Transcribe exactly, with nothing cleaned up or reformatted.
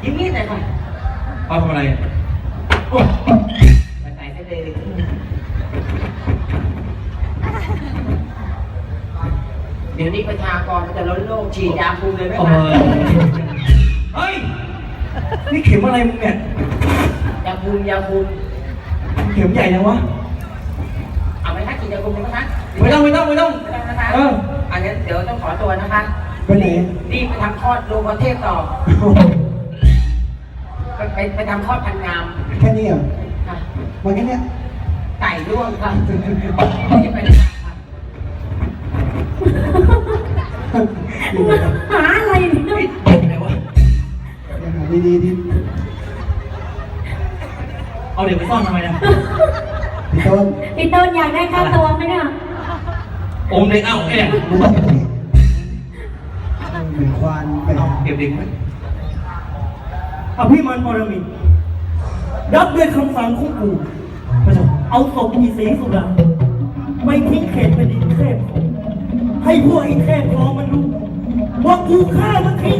ยิ้มนิดหน่อยค่ะเอาทำอะไรมาใส่เส้นเลยเดี๋ยวนี้ประชากรมันจะล้นโลกฉีดยาคุมเลยไหมเอคะอเฮ้ย นี่เข็มอะไรมึงเนี่ยยาคุมยาคุมเข็มใหญ่ยังวะเอาไหมคะฉีดยาคุมไหมคะไม่ต้องไม่ต้องไม่ต้องไม่ต้องนะคะเอออันนี้เดี๋ยวต้องขอตัวนะคะไปไหนรีบไปทำคลอดโรงพยาบาลเทพต่อไปไปไปทำคลอดพันงามแค่นี้เหรอค่ะมันแค่เนี้ยไก่ร่วงค่ะรีบไปเลยค่ะอยู่ไหนหาอะไรเนี่ยเฮ้ยไหนวะยังหาดีๆดิเอาเด็กไปซ่อนทำไมนะพี่ต้นพี่ต้นอยากได้ค่าตัวไหมเนี่ยอมเด็กเอ้าไอ้เนี่ยไม่ต้องอย่างนี้เหมือนควานไปเอาเก็บเด็กไว้อภิมันปรมินทร์รับด้วยคำสั่งของกูพระเจ้าเอาศพอีสีสุดาไม่ทิ้งเขตเป็นดินเทพของให้พวกไอ้เทพทองมันรู้ว่ากูฆ่ามันทิ้ง